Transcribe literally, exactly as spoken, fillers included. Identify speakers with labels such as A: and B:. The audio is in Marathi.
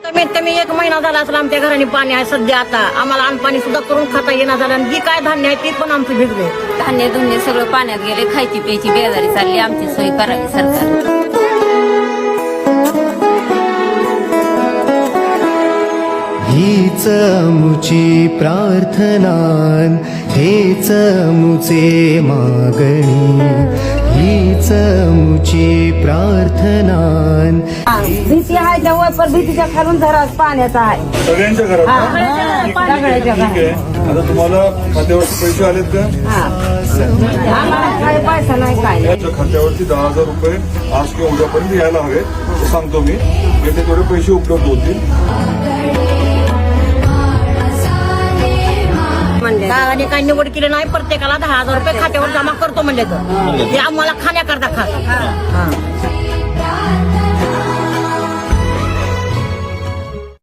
A: कमीत कमी एक महिना झाला असला आमच्या घराने पाणी आहे सध्या. आता आम्हाला अन्न सुद्धा करून खाता येणार झालं आणि जी काय धान्य आहे ती पण आमचं भिजले.
B: धान्य धुन्य सगळं पाण्यात गेले. खायची प्यायची बेजारी चालली. आमची सोय करावी सरकार.
C: हीच मुची प्रार्थनान हेच मुचे मागणी. हीच मुची प्रार्थनान.
D: भीती आहे जवळ पण भीतीच्या खालून जरा पाण्याचा आहे
E: सगळ्यांच्या घरात ना? ठीक आहे. आता तुम्हाला खात्यावरती पैसे आलेत का?
D: आम्हाला काही पैसा नाही काय
E: याच्या खात्यावरती दहा हजार रुपये आज किंवा उद्यापर्यंत यायला हवे ते सांगतो मी. येथे थोडे पैसे उपलब्ध होतील.
A: दादाने काही निवड केली नाही. प्रत्येकाला दहा हजार रुपये खात्यावर जमा करतो म्हणले तर ते आम्हाला खाण्याकरता खात.